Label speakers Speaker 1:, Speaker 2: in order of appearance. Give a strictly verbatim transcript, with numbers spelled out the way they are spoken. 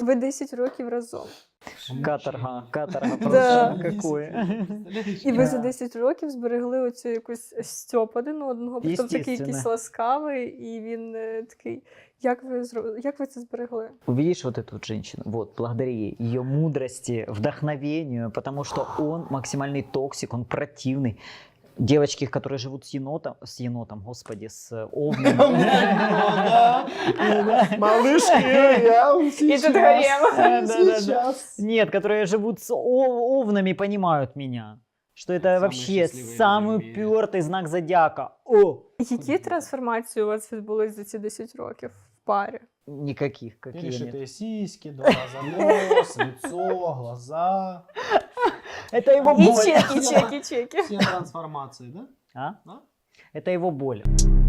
Speaker 1: Ви десять років разом.
Speaker 2: Каторга, каторга
Speaker 1: Да.
Speaker 2: просто какое.
Speaker 1: І ви за десять років зберегли оцю якусь стьоп один одного, потім такий якийсь
Speaker 2: Естественно.
Speaker 1: ласкавий, і він е, такий. Як ви, зро- як ви це зберегли?
Speaker 2: Увидишь вот эту вот женщину, вот, благодаря ей, ее мудрости, вдохновению, потому что он максимальный токсик, он противный. Девочки, которые живут с енотом, с енотом, господи, с овном.
Speaker 3: Малышки, я
Speaker 1: И тут гарем.
Speaker 2: Да-да-да. Нет, которые живут с о- овнами, понимают меня. Что это
Speaker 3: Самые
Speaker 2: вообще
Speaker 3: счастливые
Speaker 2: самый
Speaker 3: люди в мире.
Speaker 2: упертый знак зодиака. О!
Speaker 1: Які трансформації у вас відбулись за ці десять років в парі?
Speaker 2: Никаких, какие нет.
Speaker 3: Перешитые сиськи, два раза нос, лицо, глаза.
Speaker 2: Это его
Speaker 1: І
Speaker 2: боль.
Speaker 1: чеки, чеки, чеки.
Speaker 3: Все трансформации, да?
Speaker 2: А?
Speaker 3: Да?
Speaker 2: Это его боль.